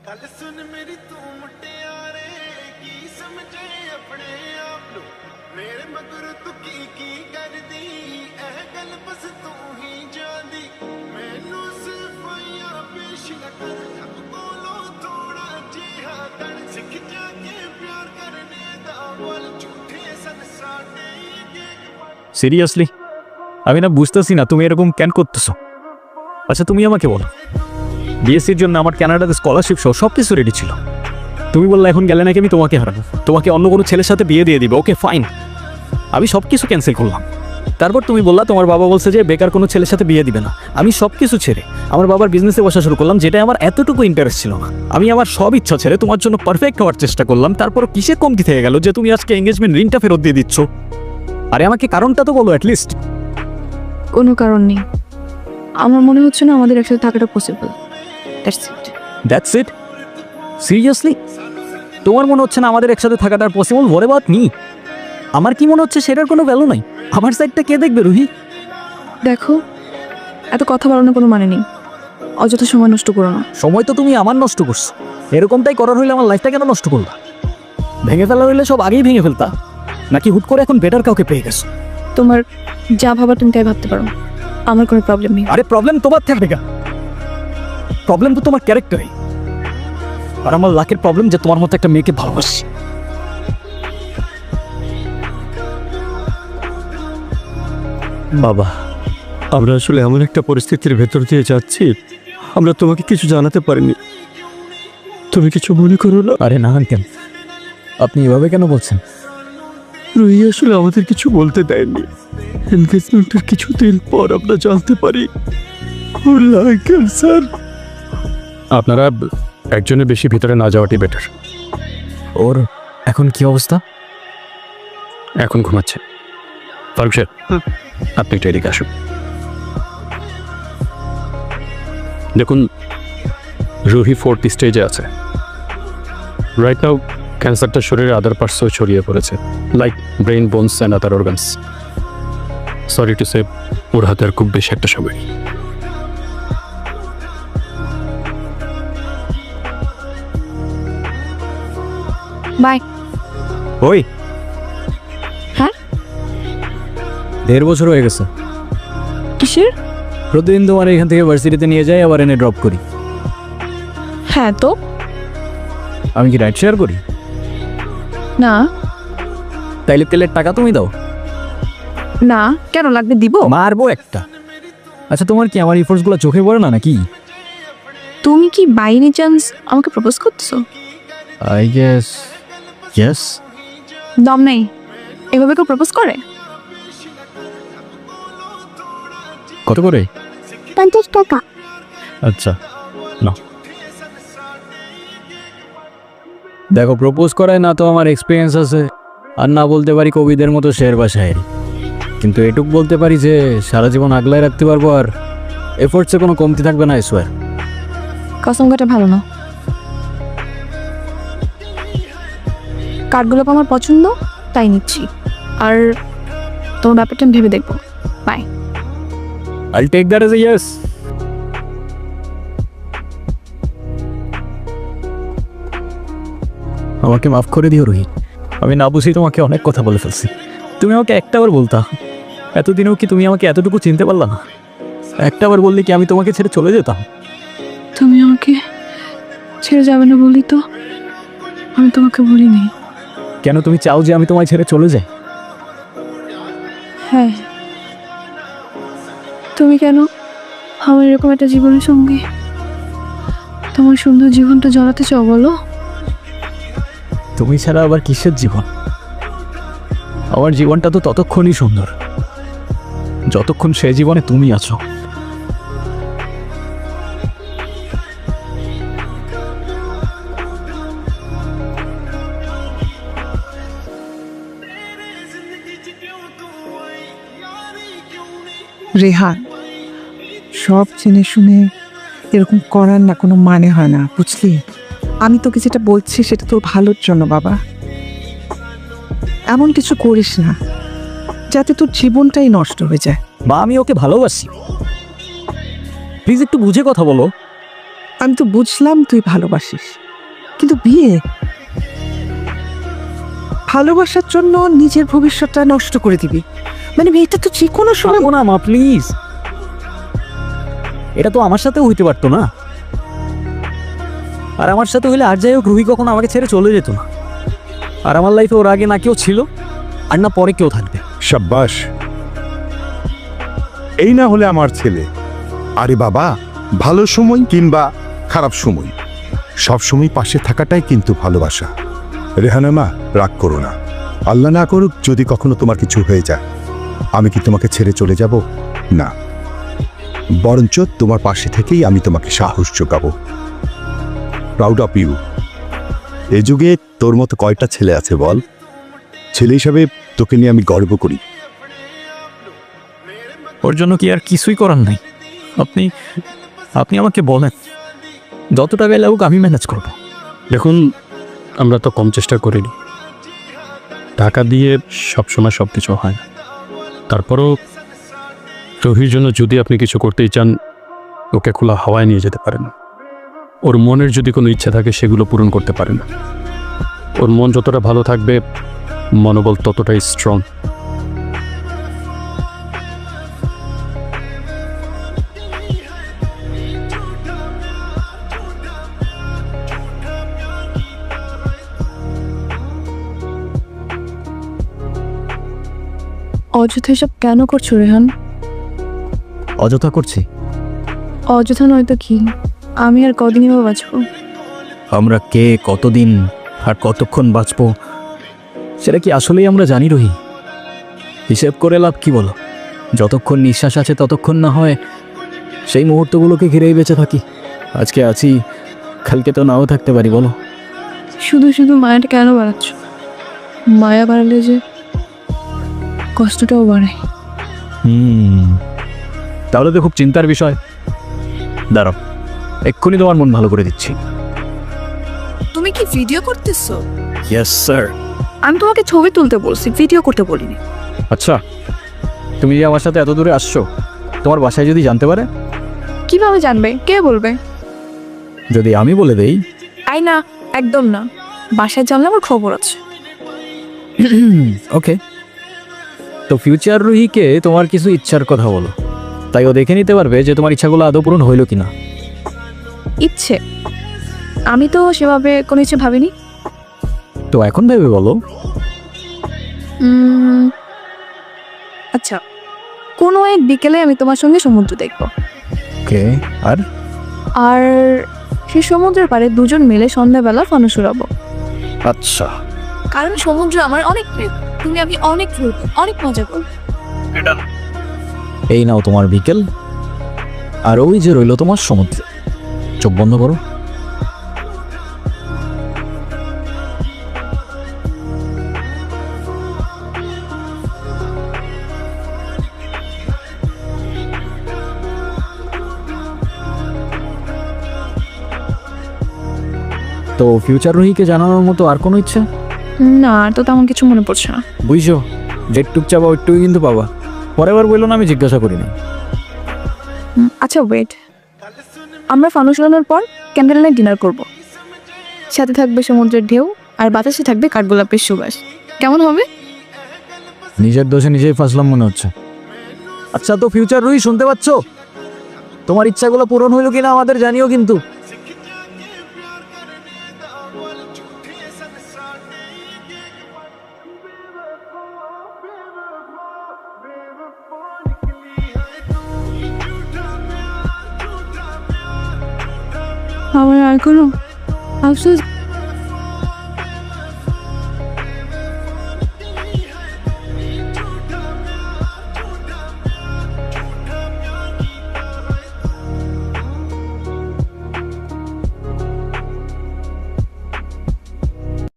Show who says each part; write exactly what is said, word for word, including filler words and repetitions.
Speaker 1: गल सुन मेरी तू मुटियारे की समझे अपने आप नु मेरे मगर तू की की कर दी एह गल बस तू ही जानदी मैनू सिर्फ या पेश न कर जब बोलो थोड़ा जिहा कर सिख जाके प्यार करने दा बोल झूठे सन साडे
Speaker 2: সিরিয়াসলি আমি না বুঝতেছি না তুমি এরকম কেন করতেছো। আচ্ছা তুমি আমাকে বলো, বিএসসির জন্য আমার কানাডাতে স্কলারশিপ সহ সব কিছু রেডি ছিল, তুমি বললে এখন গেলে নাকি আমি তোমাকে হারাবো, তোমাকে অন্য কোনো ছেলের সাথে বিয়ে দিয়ে দিবে। ওকে ফাইন, আমি সব কিছু ক্যান্সেল করলাম। তারপর তুমি বললা তোমার বাবা বলছে যে বেকার কোনো ছেলের সাথে বিয়ে দিবে না। আমি সব কিছু ছেড়ে আমার বাবার বিজনেসে বসা শুরু করলাম, যেটা আমার এতটুকু ইন্টারেস্ট ছিল না। আমি আমার সব ইচ্ছা ছেড়ে তোমার জন্য পারফেক্ট হওয়ার চেষ্টা করলাম, তারপর কিসের কমতি থেকে গেল যে তুমি আজকে এঙ্গেজমেন্ট রিংটা ফেরত দিয়ে দিচ্ছ? আরে আমাকে কারণটা তো বলো অ্যাটলিস্ট।
Speaker 3: কোনো কারণ নেই, আমার মনে হচ্ছে না আমাদের একসাথে থাকাটা possible. That's it.
Speaker 2: That's it? Seriously তোমার মনে হচ্ছে না আমাদের একসাথে থাকাটা পসিবল? Watt about me? আমার কি মনে হচ্ছে সেটার কোনো ভ্যালু নাই? আমার সাইডটা কে দেখবে রুহি?
Speaker 3: দেখো, এত কথা বাড়ানোর কোনো মানে নেই, অযথা সময় নষ্ট করো না।
Speaker 2: সময় তো তুমি আমার নষ্ট করছো, এরকমটাই করার হইলে আমার লাইফটা কেন নষ্ট করলা? ভেঙে ফেলা হইলে সব আগেই ভেঙে ফেলতা, নাকি হুট করে এখন বেটার কাউকে পেয়ে গেছো?
Speaker 3: তোমার যা ভাবার তুমি তাই ভাবতে পারো, আমার কোনো প্রবলেম নেই।
Speaker 2: আরে প্রবলেম তোমার থাকবে কেন? প্রবলেম তো তোমার ক্যারেক্টারে, আর আমার লাকের প্রবলেম যে তোমার মতো একটা মেয়েকে ভালোবাসি।
Speaker 4: বাবা, আমরা আসলে এমন একটা পরিস্থিতির ভেতর দিয়ে যাচ্ছি, আমরা তোমাকে কিছু জানাতে পারিনি, তুমি কিছু মনে করো না।
Speaker 2: আরে না কেন, আপনি এভাবে কেন বলছেন?
Speaker 4: রুহি আসলে আমাদের কিছু বলতে দেয়নি। এনগেজমেন্টের কিছুদিন পর আমরা জানতে পারি ওর লাং ক্যান্সার।
Speaker 5: আপনারা একজনের বেশি ভিতরে না যাওয়াটাই বেটার।
Speaker 2: ওর এখন কি অবস্থা?
Speaker 5: এখন ঘুমাচ্ছে। ফারুক স্যার, আপনি একটু এদিকে আসুন। দেখুন, রুহি ফোর্থ স্টেজে আছে। রাইট নাও ক্যান্সারটা শরীরের আদার পার্টসও ছড়িয়ে পড়েছে, like brain, bones and other organs. Sorry to say, ওর হাতে আর খুব বেশি একটা সময় নেই।
Speaker 3: বাই।
Speaker 2: ওই
Speaker 3: হ্যাঁ,
Speaker 2: দেড় বছর হয়ে গেছে।
Speaker 3: কিসের?
Speaker 2: প্রতিদিন তোমার এখান থেকে ভার্সিটিতে নিয়ে যাই, আবার এনে ড্রপ করি।
Speaker 3: হ্যাঁ তো
Speaker 2: আমি কি রাইড শেয়ার করি?
Speaker 3: না।
Speaker 2: তাইলে তেলের টাকা তুমি দাও।
Speaker 3: না, কেন লাগবে? দিব।
Speaker 2: মারবো একটা। আচ্ছা তোমার কি আমার ইফোর্টসগুলো চোখে পড়ে না নাকি?
Speaker 3: তুমি কি বাই এনি চান্স আমাকে প্রপোজ করতেছো?
Speaker 2: I guess yes.
Speaker 3: দম নেই, এভাবে কেউ প্রপোজ করে?
Speaker 2: কত করে?
Speaker 3: পঞ্চাশ টাকা।
Speaker 2: আচ্ছা না, দেখো প্রপোজ করায় না তো আমার এক্সপিরিয়েন্স আছে, আর না বলতে পারি কবিদের মতো শের বা শায়েরি, কিন্তু এটুক বলতে পারি যে সারা জীবন আগলায় রাখতে পারবো, আর এফোর্টসে কোনো কমতি থাকবে না। I swear.
Speaker 3: কসম কাটা ভালো না। কার্ডগুলো আমার পছন্দ, তাই নিচ্ছি। আর তোমার ব্যাপারটা আমি ভেবে দেখবো। Bye.
Speaker 2: I'll take that as a yes. আমাকে মাফ করে দিও রোহিত, আমি না বুঝি তোমাকে অনেক কথা বলে ফেলছি। তুমি আমাকে একটাবার বলতা, এতদিনেও কি তুমি আমাকে এতটুকু চিনতে পারলা না? একটাবার বললে কি আমি তোমাকে ছেড়ে চলে যেতাম?
Speaker 3: তুমি আমাকে ছেড়ে যাবে না বলি তো আমি তোমাকে বলিনি।
Speaker 2: কেন তুমি চাও যে আমি তোমায় ছেড়ে চলে যাই?
Speaker 3: হ্যাঁ, তুমি কেন আমার এরকম একটা জীবনের সঙ্গে তোমার সুন্দর জীবনটা জড়াতে চাও বলো?
Speaker 2: তুমি ছাড়া আবার কিসের জীবন? আমার জীবনটা তো ততক্ষণই সুন্দর যতক্ষণ সে জীবনে তুমি আছো।
Speaker 6: রেহান, সব জেনে শুনে এরকম করার না কোনো মানে হয় না, বুঝলি? আমি তোকে যেটা বলছি সেটা তোর ভালোর জন্য বাবা। এমন কিছু করিস না যাতে তোর জীবনটাই নষ্ট হয়ে যায়।
Speaker 2: বা আমি ওকে ভালোবাসি, প্লিজ একটু বুঝে কথা বলো।
Speaker 6: আমি তো বুঝলাম তুই ভালোবাসিস, কিন্তু বিয়ে, ভালোবাসার জন্য নিজের ভবিষ্যৎটা নষ্ট করে দিবি? মানে এটা তো যে কোনো সময়।
Speaker 2: না মা প্লিজ, এটা তো আমার সাথেও হইতে পারতো না। আর আমার সাথে হইলে আর যাই হোক রুহি কখনো আমাকে ছেড়ে চলে যেত না। আর আমার লাইফে ওর আগে না কেউ ছিল আর না পরে কেউ থাকবে।
Speaker 7: সাব্বাস, এই না হলে আমার ছেলে। আরে বাবা, ভালো সময় কিংবা খারাপ সময় সব সময় পাশে থাকাটাই কিন্তু ভালোবাসা। রেহানা মা, রাগ করো না। আল্লাহ না করুক যদি কখনো তোমার কিছু হয়ে যায়, আমি কি তোমাকে ছেড়ে চলে যাব? না, বরঞ্চ তোমার পাশে থেকেই আমি তোমাকে সাহস যোগাবো। Proud of you. এ যুগে তোর মতো কয়টা ছেলে আছে বল? ছেলে হিসাবে তোকে নিয়ে আমি গর্ব করি।
Speaker 2: ওর জন্য কি আর কিছুই করার নাই? আপনি আপনি আমাকে বলেন, যত টাকায় লাগুক আমি ম্যানেজ করব।
Speaker 5: দেখুন, আমরা তো কম চেষ্টা করিনি। টাকা দিয়ে সবসময় সব কিছু হয় না। তারপরও রুহির জন্য যদি আপনি কিছু করতেই চান, ওকে খোলা হাওয়ায় নিয়ে যেতে পারেন। ওর মনের যদি কোনো ইচ্ছা থাকে সেগুলো পূরণ করতে পারেন। ওর মন যতটা ভালো থাকবে, মনোবল ততটাই স্ট্রং।
Speaker 3: অযথা এসব কেন করছো রেহান?
Speaker 2: অযথা করছি?
Speaker 3: অযথা নয়তো কি? আমি আর কদিনই বা বাঁচবো?
Speaker 2: আমরা কে, কতদিন আর কতক্ষণ বাঁচবো সেটা কি আসলেই আমরা জানি রহি? হিসেব করে লাভ কি বলো? যতক্ষণ নিঃশ্বাস আছে ততক্ষণ না হয় সেই মুহূর্তগুলোকে ঘিরেই বেঁচে থাকি। আজকে আছি, কালকে তো নাও থাকতে পারি, বলো?
Speaker 3: শুধু শুধু মায়াটা কেন বাড়াচ্ছ? মায়া বাড়ালে যে কষ্টটাও বাড়ায়।
Speaker 2: হুম, তাহলে তো খুব চিন্তার বিষয়। দাঁড়াও, এক্ষুনি তোমার মন ভালো করে দিচ্ছি।
Speaker 3: তুমি কি ভিডিও করতেছো?
Speaker 2: Yes sir.
Speaker 3: আমি তোমাকে ছবি তুলতে বলছি, ভিডিও করতে বলিনি।
Speaker 2: আচ্ছা, তুমি যে আমার সাথে এত দূরে আসছো, তোমার বাসায় যদি জানতে পারে?
Speaker 3: কিভাবে জানবে? কে বলবে?
Speaker 2: যদি আমি বলে দেই?
Speaker 3: আই না, একদম না। বাসায় জানলে আমার খবর আছে।
Speaker 2: ওকে, তো ফিউচার রুহিকে তোমার কিছু ইচ্ছার কথা বলো, তাই ও দেখে নিতে পারবে যে তোমার ইচ্ছাগুলো আদৌ পূরণ হইল কিনা।
Speaker 3: ইচ্ছে? আমি তো সেভাবে কোনো ইচ্ছে ভাবিনি।
Speaker 2: তো এখন ভেবে বলো।
Speaker 3: উম, আচ্ছা, কোনো এক বিকেলে আমি তোমার সঙ্গে সমুদ্র দেখব।
Speaker 2: ওকে, আর?
Speaker 3: আর সেই সমুদ্রের পাড়ে দুজন মিলে সন্ধ্যাবেলা ফানুস উড়াবো।
Speaker 2: আচ্ছা,
Speaker 3: কারণ সমুদ্র আমার অনেক প্রিয়। তুমি আমি অনেক ঘুরবো, অনেক মজা করবো।
Speaker 2: এই নাও তোমার বিকেল, আর ওই যে রইল তোমার সমুদ্র। চোখ বন্ধ করো। তো ফিউচার রুহিকে জানানোর মতো আর কোনো ইচ্ছা?
Speaker 3: না, আর তো তেমন কিছু মনে পড়ছে না।
Speaker 2: বুঝছো, যেটুক চাবা ওইটুকুই কিন্তু পাবা। পরের বার বললো না আমি জিজ্ঞাসা করিনি।
Speaker 3: হুম, আচ্ছা ওয়েট, আমরা ফানুস উড়ানোর পর ক্যান্ডেল নাইট ডিনার করব। সাথে থাকবে সমুদ্রের ঢেউ আর বাতাসে থাকবে কাঠগোলাপের সুবাস। কেমন হবে?
Speaker 2: নিজের দোষে নিজেই ফাঁসলাম মনে হচ্ছে। আচ্ছা, তো ফিউচার রুহি শুনতে পাচ্ছ? তোমার ইচ্ছাগুলো পূরণ হইল কিনা আমাদের জানিও কিন্তু।
Speaker 3: আমার আর কোনো আফসোস